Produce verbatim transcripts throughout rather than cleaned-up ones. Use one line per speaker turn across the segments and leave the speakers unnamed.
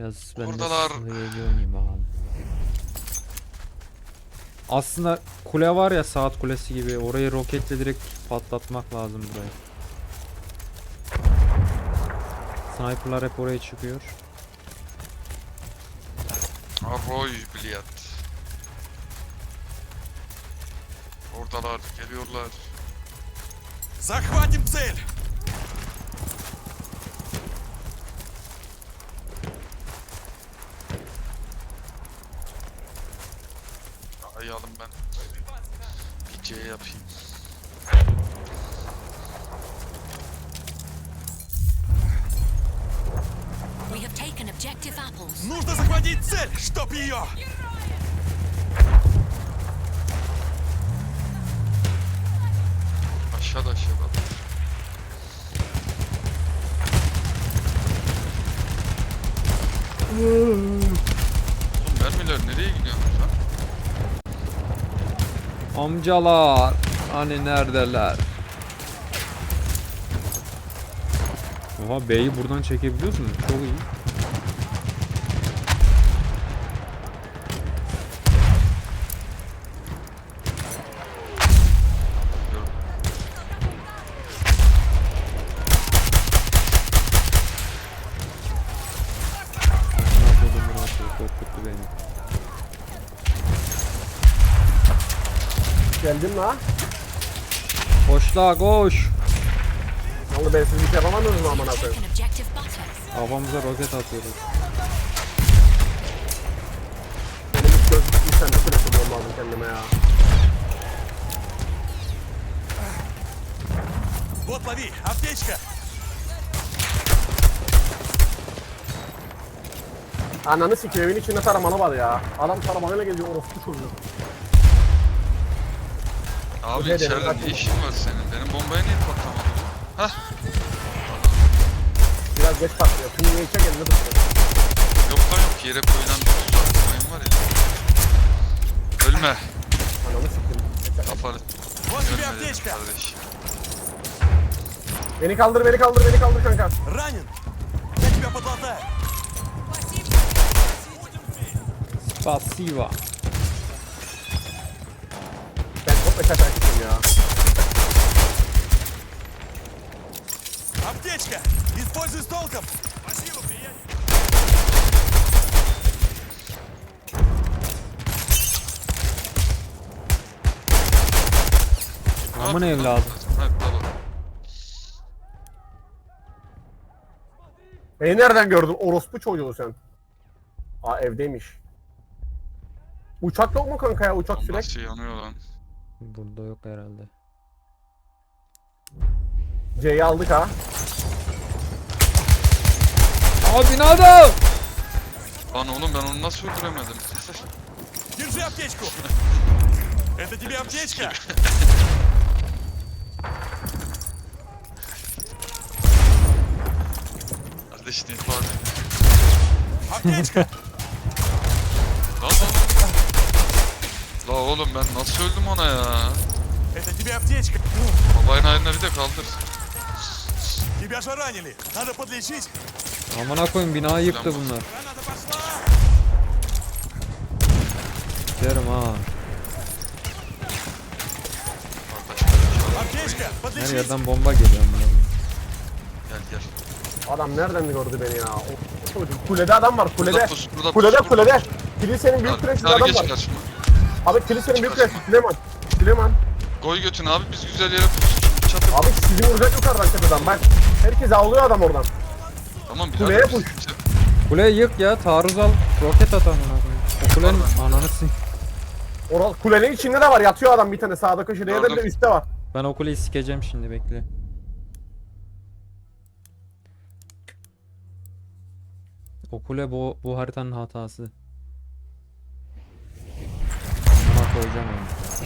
Biraz ben
Oradalar.
de hızlı oynayayım bakalım. Aslında kule var ya, saat kulesi gibi, orayı roketle direkt patlatmak lazım burayı. Sniperlar hep oraya çıkıyor.
Arroy bilyat. Oradalar, geliyorlar.
Захватим цель!
Ayalım ben. Bir C yapayım.
We have taken objective apples.
Нужно захватить цель, чтоб ее!
Aşağıda aşağıda. Oğlum mermiler nereye gidiyorsunuz lan?
Amcalar hani neredeler? Oha, B'yi buradan çekebiliyoruz mu? Çok iyi.
Gördüm.
Ne yapıyordum bunu atıyor, korkuttu beni.
Geldin la.
Koş la koş.
Vallahi ben siz bir şey yapamadınız mı amına koyayım?
Taken objective butter.
Kafamıza roket atıyoruz.
Benim hiç gözlük bir tane telefonum lazım kendime ya.
Вот лови, аптечка!
Ananı sikiyor, evin içinde taramalı var ya. Adam taramalıyla geliyor, orospu çocuğu.
Abi
Ne
içeride
demek?
ne işin var senin? Benim bombaya niye patlamadı bu? Hah.
Biraz geç patlıyor. Şimdi ne içe geldi tutuyor.
Yok lan yok, yere koyulan bir tuzak mayın var ya. Ölme.
Ananı sikeyim.
Kafanı.
Вот тебе
Ölme dedim
аптечка!
kardeş.
Beni kaldır, beni kaldır, beni kaldır kanka.
Ранен! Я тебя подлатаю!
Spasiva.
Ben çok meşak açtım ya.
Аптечка! Используй с толком! Спасибо, приятель!
Aman evladım.
Ha, bravo.
Beni nereden gördün orospu çocuğu sen? Aa, evdeymiş. Uçak yok mu kanka ya? Uçak sürekli.
Nasıl yanıyor lan?
Burada yok herhalde.
C'yi aldık ha.
Abi ne adam?
Lan oğlum ben onu nasıl öldüremedim?
Держи аптечку! Это тебе аптечка!
Kardeş ne ifade?
Аптечка!
Lan lan. La oğlum ben nasıl öldüm ona ya?
Это тебе аптечка!
Babayın haline bir de kaldır.
Тебя же ранили! Надо подлечить!
Amına koyayım, binayı yıktı bunlar.
Граната пошла!
Derim ha.
Аптечка!
Her
Подлечить!
yerden bomba geliyor amına koyayım.
Gel gel.
Adam nereden gördü beni ya? O çocuk. Kulede adam var, kulede.
Burada pus, burada
Kulede,
pus,
kulede.
burada
Kilisenin büyük
pus.
küresinde
Abi
adam
geç
var.
karşıma.
Abi kilisenin büyük küresi, Süleyman. Süleyman.
Koy götünü abi, biz güzel yere pus. Çatır.
Abi sizi vuracak yukarıdan tepeden bak. Herkes avlıyor adam oradan.
Tamam
Kuleye
birader.
puş.
biz-
Kuleyi yık ya, taarruz al. Roket at amına koyayım. O kulenin ananı sin.
Oral kulenin içinde de var, yatıyor adam bir tane sağda köşede ya da bir de
Gördüm.
üstte var.
Ben o kuleyi sikeceğim şimdi, bekle. O kule bu, bu haritanın hatası. Buna koyacağım onu.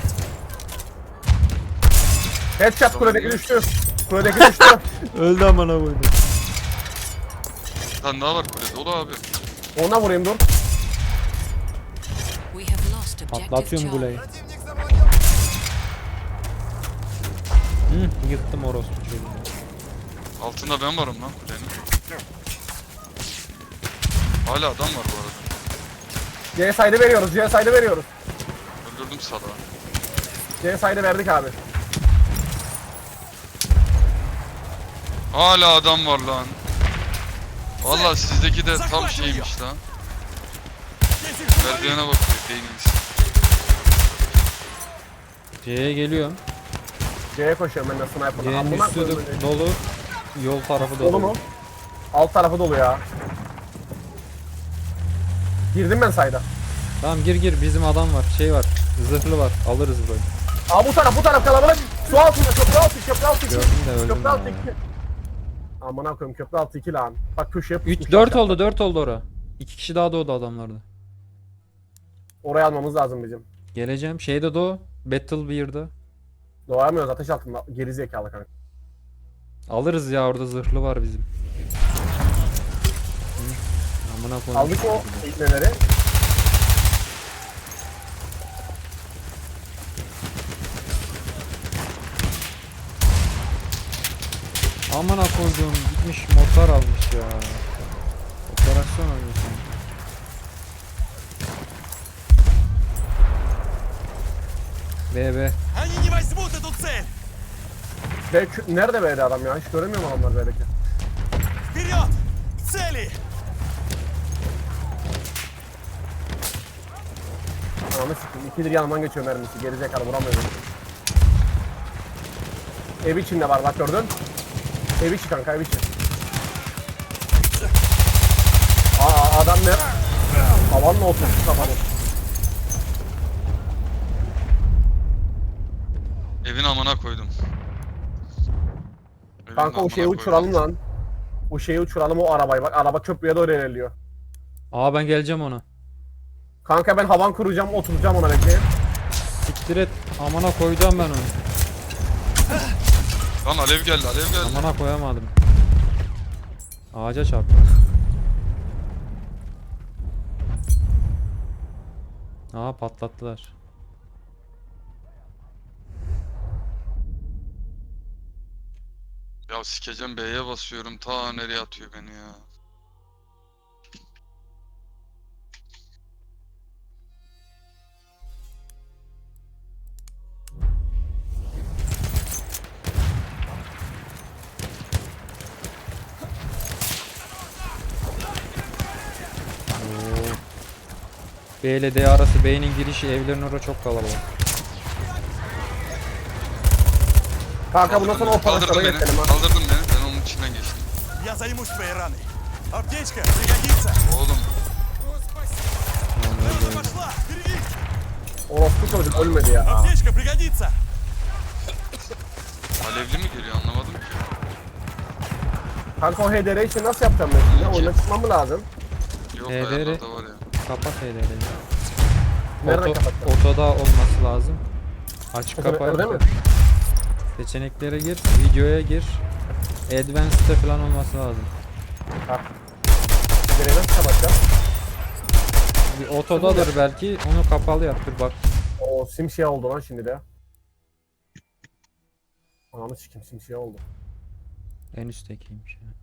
Headshot
Tamam,
kuledeki
ya.
düştü. Kuledeki düştü.
Öldü amına koydum.
Bir tane daha var kulede. Ola abi.
Ona vurayım dur.
We have lost objective
Patlatıyorum kuleyi.
Charlie.
Hı, yıktım orospu çocuğunu.
Altında ben varım lan kulenin. Hala adam var bu arada.
C side'ı veriyoruz. C side'ı veriyoruz.
Öldürdüm salağı.
C side'ı verdik abi.
Hala adam var lan. Vallahi sizdeki de tam şeymiş lan.
Здесь их завалили.
Merdivene bakıyor beyniniz.
C'ye geliyorum.
C'ye koşuyorum ben de sniper'la.
C'nin
Amına
üstü
koyayım
de
beni.
dolu. Yol tarafı dolu.
Dolu mu? Alt tarafı dolu ya. Girdim ben sayda.
Tamam gir gir, bizim adam var. Şey var. Zırhlı var. Alırız burayı.
Aa bu taraf bu taraf kalabalık. Su altında köprü altı köprü altı iki.
Gördüm de öldüm
Köprü
ben
altı
ya.
iki. Amına koyayım köprü altı iki lan. Bak köşeye
üç
pusmuş
dört
aşağı.
oldu, dört oldu ora. iki kişi daha doğdu adamlarda.
Oraya almamız lazım bizim.
Geleceğim. Şeyde doğu. Battle bir'de.
Doğamıyoruz ateş altında. Geri zekalı kanka.
Alırız ya, orada zırhlı var bizim. Hı. Amına koyayım.
Aldık o ikneleri.
Amına koyduğum gitmiş motor almış ya. Operasyon almış yani. B B.
Они не возьмут эту цель.
Be kü- nerede B'de adam ya? Hiç göremiyorum adamlar B'deki.
Вперед! К цели!
Ananı sikeyim. İkidir yanımdan geçiyor mermisi. Geri zekalı vuramıyorum. Ev içinde var bak gördün. Ev içi kanka ev içi. Aa adam ne? Havanla oturmuş kafanı.
Evin amına koydum. Evin
Kanka o
amına
şeyi
koydum.
uçuralım lan. O şeyi uçuralım o arabayı bak. Araba köprüye doğru ilerliyor.
Aa ben geleceğim ona.
Kanka ben havan kuracağım oturacağım ona bekleyin.
Siktir et. Amına koyacağım ben onu.
Lan alev geldi alev geldi.
Amına koyamadım. Ağaca çarptı. Aa patlattılar.
Ya sikeceğim B'ye basıyorum ta nereye atıyor beni ya.
B ile D arası, B'nin girişi evlerin orada çok kalabalık.
Kanka bundan sonra o
Kaldırdın
paraşlara
beni.
geçelim ha.
Kaldırdın beni. Ben onun içinden geçtim.
Я займусь твоей раной. Аптечка пригодится.
Oğlum
Рана пошла! Впереди!
Orospu çocuk ölmedi ya.
Аптечка пригодится!
alevli mi geliyor anlamadım ki.
Kanka o H D R için nasıl yapacağım ben şimdi? Oyuna çıkmam mı lazım?
Yok
H D R.
ayarlarda var ya.
Kapat H D R'yi.
Nereden
Oto,
kapatacağım?
otoda olması lazım. Açık
Seçeneklerde
kapat.
mi?
Seçeneklere gir, videoya gir. Advanced'de falan olması lazım.
Ha. H D R'yi nasıl kapatacağım?
Bir otodadır belki, onu kapalı yap, dur bak.
O simsiyah oldu lan şimdi de. Ananı sikim simsiyah oldu.
En üsttekiymiş ya.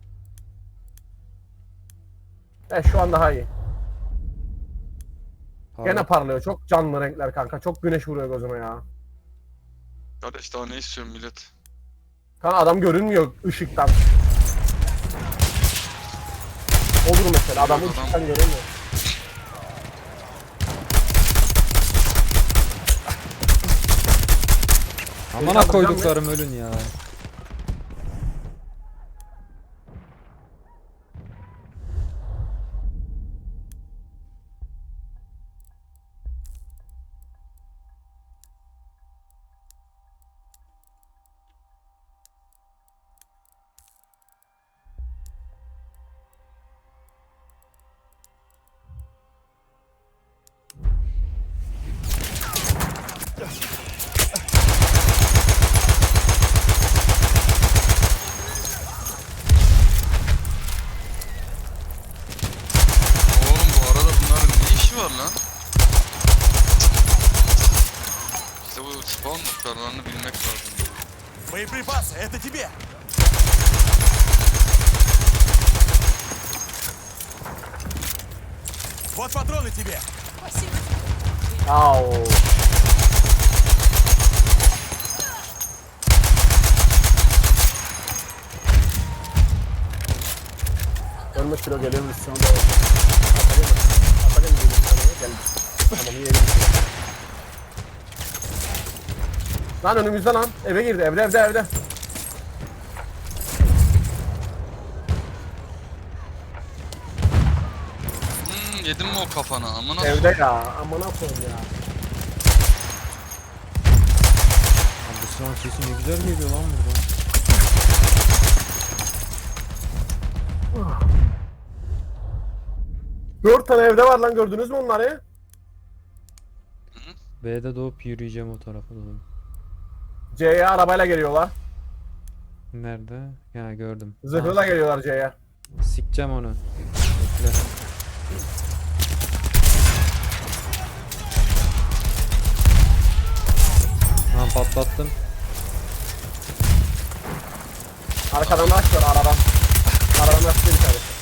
E şu an daha iyi.
Pardon.
Gene parlıyor. Çok canlı renkler kanka. Çok güneş vuruyor gözüme ya.
Kardeş daha ne istiyorsun millet?
Kanka adam görünmüyor ışıktan. Olur mesela adam
Adam-
ışıktan görünmüyor.
Amına koyduklarım ölün ya.
Oğlum bu arada bunların ne işi var lan? İşte bu spawn noktalarını bilmek lazım.
Боеприпасы, это тебе! Вот патроны тебе.
Au. Ölmüş kilo geliyor biz şimdi. Atacağım. Atacağım dedim sana. Geldi. Tamam iyi elim. Lan önümüzde lan. Eve girdi. Evde evde evde.
Hmm, yedin mi o kafana? Amına
Evde ya. Amına koyayım ya.
Abi bu silahın sesi ne güzel geliyor lan burada.
Dört tane evde var lan, gördünüz mü onları?
B'de doğup yürüyeceğim o tarafa doğru.
C'ye arabayla geliyorlar.
Nerede? Ya gördüm.
Zırhla geliyorlar C'ye.
Ha, sikeceğim onu. Bekle. Tamam patlattım.
Arkadan da açıyor aradan. Aradan açıyor bir tanesi.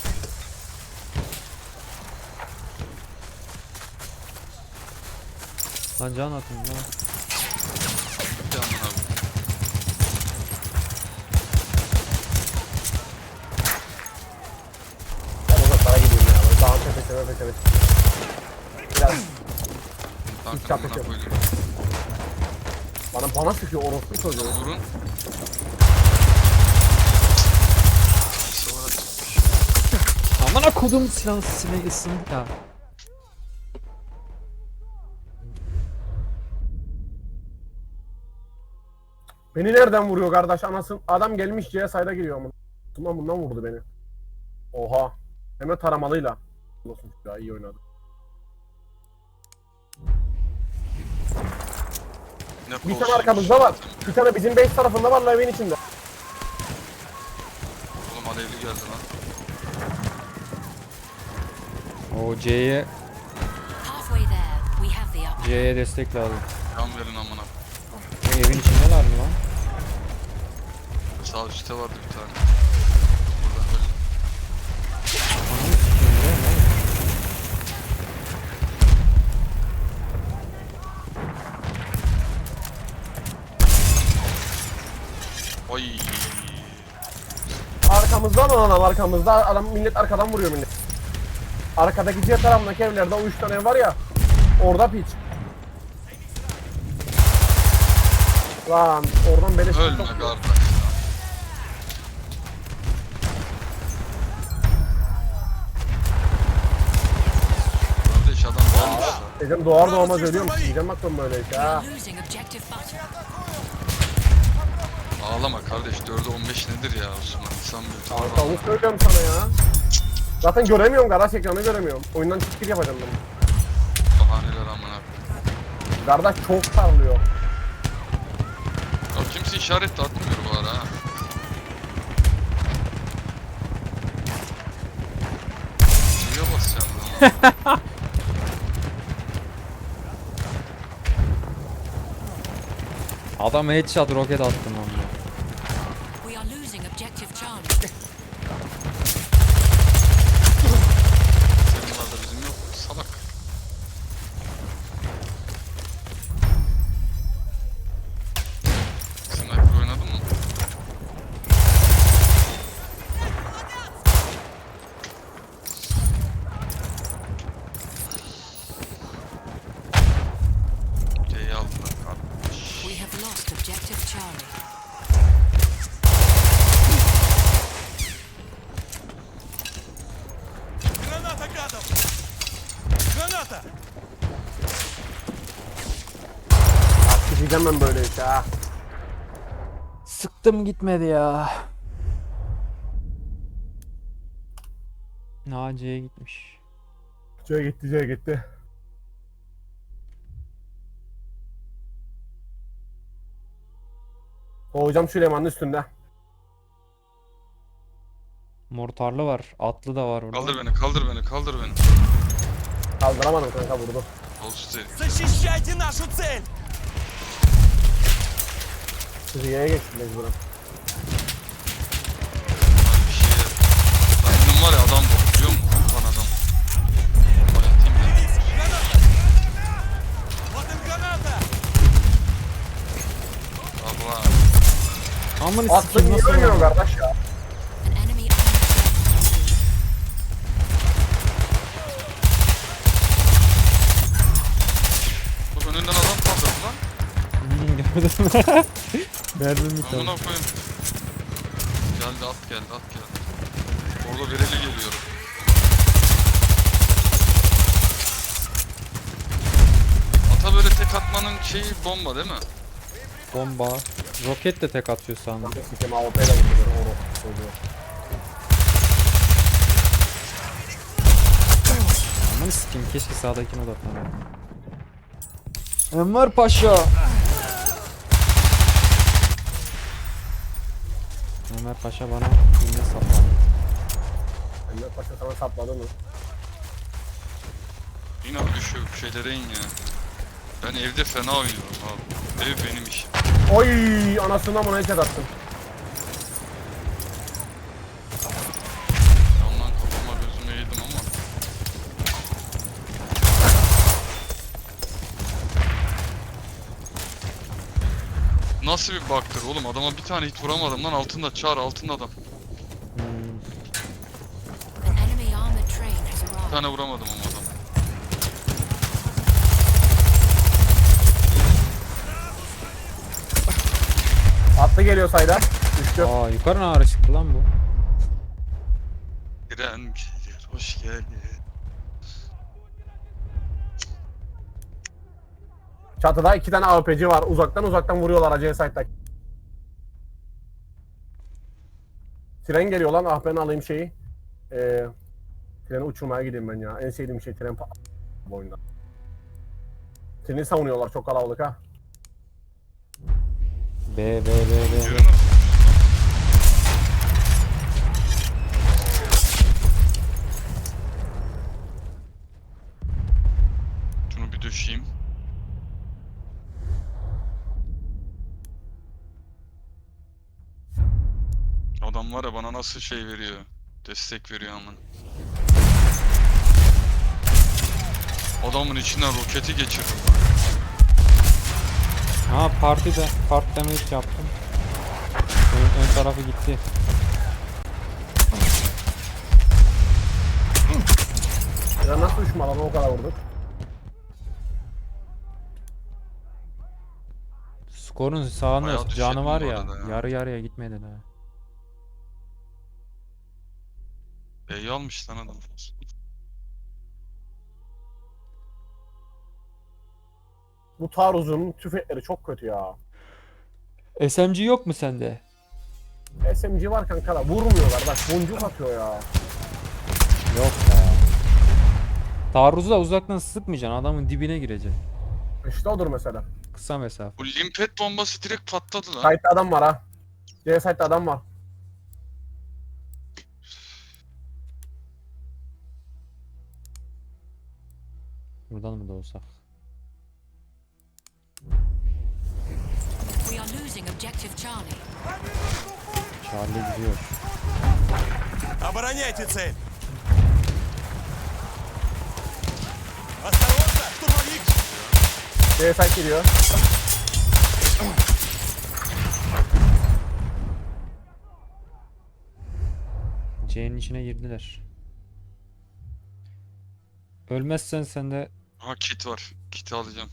Lan can atın lan.
bir amına abi.
Ben uzaklara gideyim ya. Böyle dağın tepesine tepesine. Biraz
Kanka
çap
amına
yapıyorum.
koydum.
bana bana sıkıyor orospu çocuğu.
Vurun. Sonra
Aman kodum silahın sesine ısındı ya.
Beni nereden vuruyor kardeş anasın? Adam gelmiş C'ye sayda giriyor ama. Bundan bundan vurdu beni. Oha. Hem de taramalıyla. Olsun ya, iyi oynadı.
ne
Bir
kolsuzmuş.
tane arkamızda var. Bir tane bizim base tarafında var la, evin içinde.
Oğlum alevli geldi lan.
O C'ye
Halfway there, we have the upper.
C'ye destek lazım.
Can verin amına.
E, evin içindeler mi lan?
Sağ üstte vardı bir tane. Buradan böyle.
Ananı sikeyim ya, ne?
Ay.
Arkamızda lan adam, arkamızda. Adam, millet arkadan vuruyor millet. Arkadaki C tarafındaki evlerde o üç tane ev var ya. Orada piç. Lan oradan beni
Ölme
sokuyor.
kardeş ya. Kardeş adam varmış ya.
Dedim doğar doğmaz ölüyorum. Diyeceğim bak ben böyle iş
We
ha.
are losing objective butter.
Ağlama kardeş, dörde on beş nedir ya Osman? İnsan bir
Kanka
utanır.
onu söylüyorum sana ya. Zaten göremiyorum, kardeş ekranı göremiyorum. Oyundan çıkıp yapacağım ben.
Bahaneler amına.
Kardeş çok parlıyor.
Ya kimse işaret de atmıyor bu ara ha. Şuraya bas ya.
Adam headshot roket attım lan.
We are losing objective Charlie.
Senin var da bizim yok. Salak. Sniper oynadın mı? C'yi aldılar kardeş.
We have lost objective Charlie.
Граната гадов. Граната.
Artık diyeceğim ben böyle iş ha.
Sıktım gitmedi ya. Naciye gitmiş.
C gitti, C gitti. O hocam Süleyman'ın üstünde.
Mortarlı var. Atlı da var orada.
Kaldır beni, kaldır beni, kaldır beni.
Kaldıramadım kanka, vurdu.
Olsuz değil.
Защищайте нашу цель.
Siz Y'ye geçtin mecburen.
Abi bir şey. Benim var ya adam bu, biliyor musun? Lan adam.
Amın
Aklın
sikim
niye
nasıl
ölmüyor
var?
kardeş ya?
An enemy armored truck.
Bak önünden adam patladı lan.
Hmm, gördüm. Verdim bir tane.
Amına koyayım. Geldi at geldi at geldi. Orada vereli geliyorum. Ata böyle tek atmanın şeyi bomba değil mi?
Bomba. Roket de tek atıyor sandım.
Sikim A W P'yle vuruyor. Oğlum. Çocuğu.
Aman sikeyim, keşke sağdakine odaklanayım. Enver Paşa. Enver Paşa bana iğne sapladı.
Emre Paşa sana sapladı mı?
Yine abi düşüyor şeylere in ya. Ben evde fena oynuyorum abi. Ev benim işim.
Oy anasından bana headshot attım.
Yandan kafama gözüme yedim ama. Nasıl bir baktır oğlum, adama bir tane hit vuramadım lan, altında çağır, altında adam.
Hmm.
An enemy armored train has
Bir
arrived.
tane vuramadım ama adam.
Atlı geliyor sayda. Düştü.
Aa, yukarı ne ara çıktı lan bu?
Giren gelir, hoş geldin.
Çatıda iki tane A W P'ci var. Uzaktan uzaktan vuruyorlar acele site'daki. Tren geliyor lan. Ah ben alayım şeyi. Ee, treni uçurmaya gideyim ben ya. En sevdiğim şey tren pa- bu oyunda. Treni savunuyorlar. Çok kalabalık ha.
B B B B.
Yürü. Şunu bir düşeyim. Adam var ya bana nasıl şey veriyor. Destek veriyor aman. Adamın içinden roketi geçirdim.
Ha partide part damage yaptım. Ön, ön tarafı gitti.
Ya nasıl düşman lan o kadar vurduk.
Skorun sağında
Bayağı
canı
düşürdüm
var
bu
ya,
arada ya.
yarı yarıya gitmedi daha.
B'yi almış lan adam.
Bu taarruzun tüfekleri çok kötü ya.
S M G yok mu sende?
S M G var kanka da vurmuyorlar. Bak boncuk atıyor ya.
Yok be. Taarruzu da uzaktan sıkmayacaksın, adamın dibine gireceksin.
İşte odur mesela.
Kısa mesafe.
Bu limpet bombası direkt patladı lan.
Site'de adam var ha. C site'de adam var.
Buradan mı da olsak?
We are losing objective Charlie.
Charlie gidiyor.
Обороняйте цель! Осторожно, штурмовик!
C site geliyor.
C'nin içine girdiler. Ölmezsen sen de
Ha kit var. Kiti alacağım.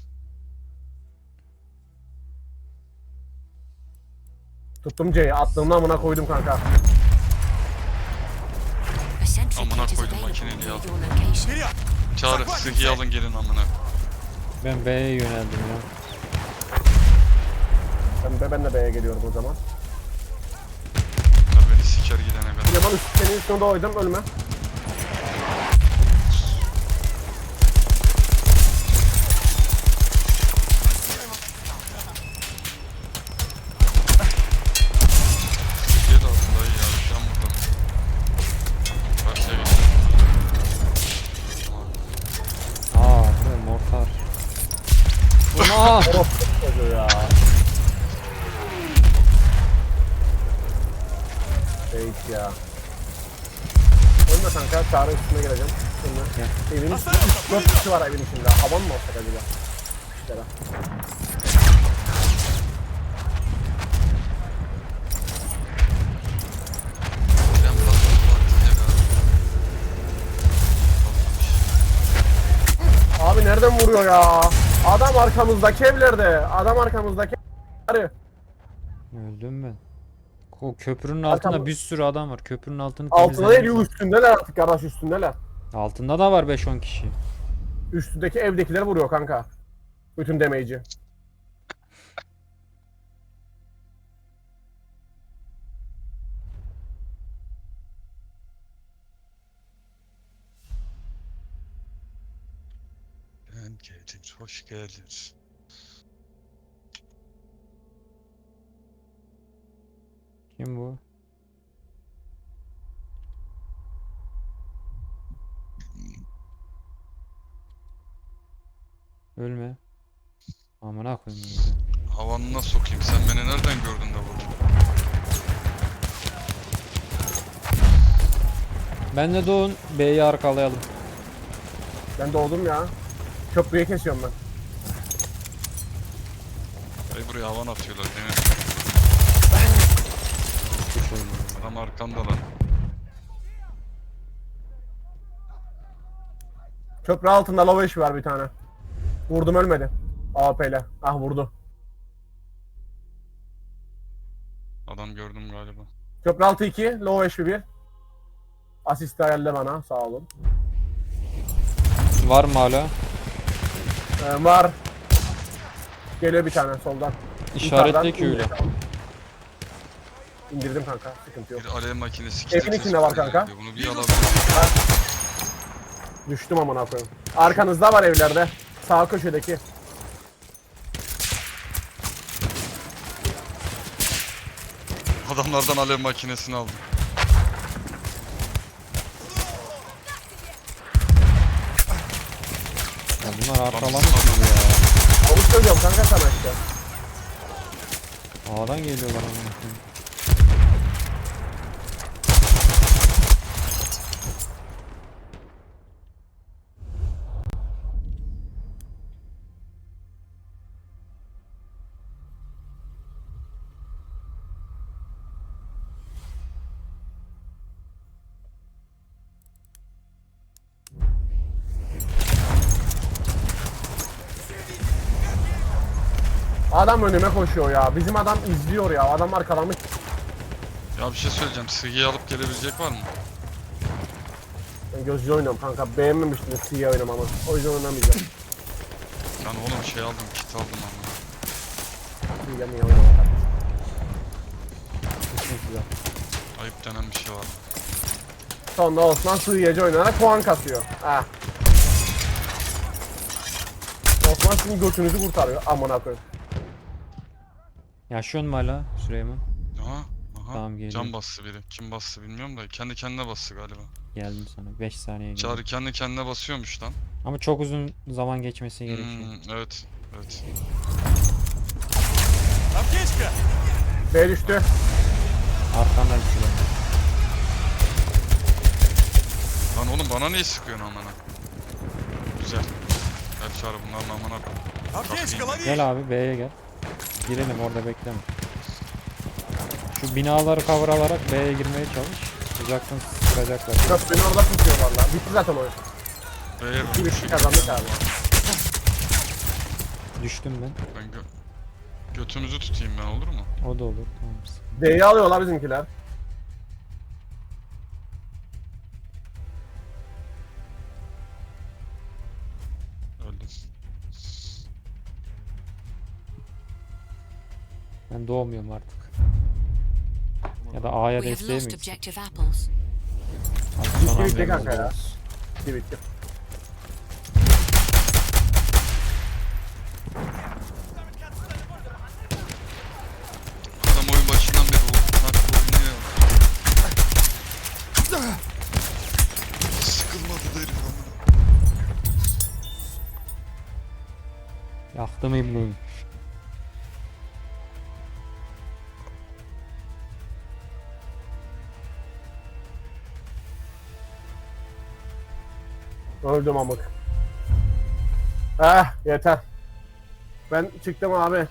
Tuttum C'yi. Attığımın amına koydum kanka.
A sentry
Amına
kit is
koydum,
available
makineli
near
ya.
your location.
Вперед!
Çağrı sıhhi alın gelin amına.
ben B'ye yöneldim ya.
Ben de, ben de B'ye geliyorum o zaman.
Bunlar beni siker gidene kadar.
Yaman üst, senin üstüne doydum ölme.
Sıhhiye de alsın dayı ya. Şu an burada. Karşıya geç. Tamam.
Aa, bu mortar. Aa!
Orospu çocuğu ya. Hiç ya. Ölme kanka. Çağrı üstüne geleceğim. Ölme. Evin üstünde üç dört kişi var evin içinde. Havan mı olsak acaba? İşte nereden vuruyor ya? Adam arkamızdaki evlerde. Adam arkamızdaki evlerde.
Öldüm ben. O köprünün altında
Arkam-
bir sürü adam var. Köprünün altını
Altında değil
temizlememiz lazım.
üstündeler artık kardeş üstündeler.
Altında da var beş on kişi.
Üstündeki evdekiler vuruyor kanka. Bütün damage'i.
Ben geldim, hoş geldiniz.
Kim bu? Ölme. Amına koyayım. öyle.
Havanına sokayım, sen beni nereden gördün de vurdun?
Ben de Doğun B'yi arkalayalım.
Ben doğdum ya. Köprüyü kesiyorum ben.
Ay buraya havan atıyorlar değil mi?
Kuş oynuyor.
Adam arkamda lan.
Köprü altında low eş var bir tane. Vurdum ölmedi. A P ile. Ah vurdu.
Adam gördüm galiba.
Köprü altı iki, low eş bir. Asist ayarla bana, sağ olun.
Var mı hala?
Ee, var. Geliyor bir tane soldan.
İşaretle ki
Yukarıdan
öyle.
İndirdim kanka, sıkıntı yok.
Bir alev makinesi
Evin
kitle
içinde var
tespiti
kanka.
yapıyor. Bunu bir alabilir.
Düştüm amına koyayım. Arkanızda var evlerde. Sağ köşedeki.
Adamlardan alev makinesini aldım.
Ya bunlar arkalamıyor ya.
Avuç söylüyorum kanka sana işte.
A'dan geliyorlar amına koyayım.
Adam önüme koşuyor ya. Bizim adam izliyor ya. Adam arkalamış.
Ya bir şey söyleyeceğim. Sıgıyı alıp gelebilecek var mı?
Ben gözcü oynuyorum kanka. Beğenmemiştiniz C oynamamı. O yüzden oynamayacağım.
Yani oğlum şey aldım, kit aldım ama.
C'ye niye oynamamak? Güzel.
Ayıp denen bir şey var.
Sonra Osman sığıyacı oynayarak puan kasıyor. Ha. Osman sizin götünüzü kurtarıyor. Amına koyayım.
Yaşıyor mu hala Süleyman?
Aha, aha.
Tamam, geliyor.
Can bastı biri. Kim bastı bilmiyorum da kendi kendine bastı galiba.
Geldim sana. beş saniye geldi.
Çağrı kendi kendine basıyormuş lan.
Ama çok uzun zaman geçmesi gerekiyor.
Hmm, evet, evet.
Аптечка!
B düştü.
Arkandan Süleyman.
Lan oğlum bana niye sıkıyorsun amına? Güzel. Gel Çağrı bunların amına koy.
Аптечка, лови!
Gel abi B'ye gel. Girelim orada bekleme. Şu binaları kavralarak B'ye girmeye çalış. Uzaktan sıkacaklar.
Köprünü orada tutuyor valla. Bitti zaten oyun.
Beyler
Bir
bir
üç
şey
kazandık abi.
Düştüm ben.
Ben gö götümüzü tutayım ben olur mu?
O da olur. Tamam.
D'yi alıyorlar bizimkiler.
Öldüm.
Ben doğmuyorum artık. Ya da A'ya
We have
desteğe mi
lost
gitsek?
objective apples.
Abi
Bitti,
son
bitti
hamlemiz
kanka ya.
olsun.
Bitti bitti.
Adam oyun başından beri o farklı oynuyor. Sıkılmadı derim amına.
Yaktım İbni'yi.
Öldüm amık. Eh yeter. Ben çıktım abi.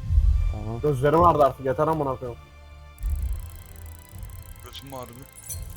Tamam.
Gözlerim ağrıdı artık yeter amına koyayım.
Götüm ağrıdı.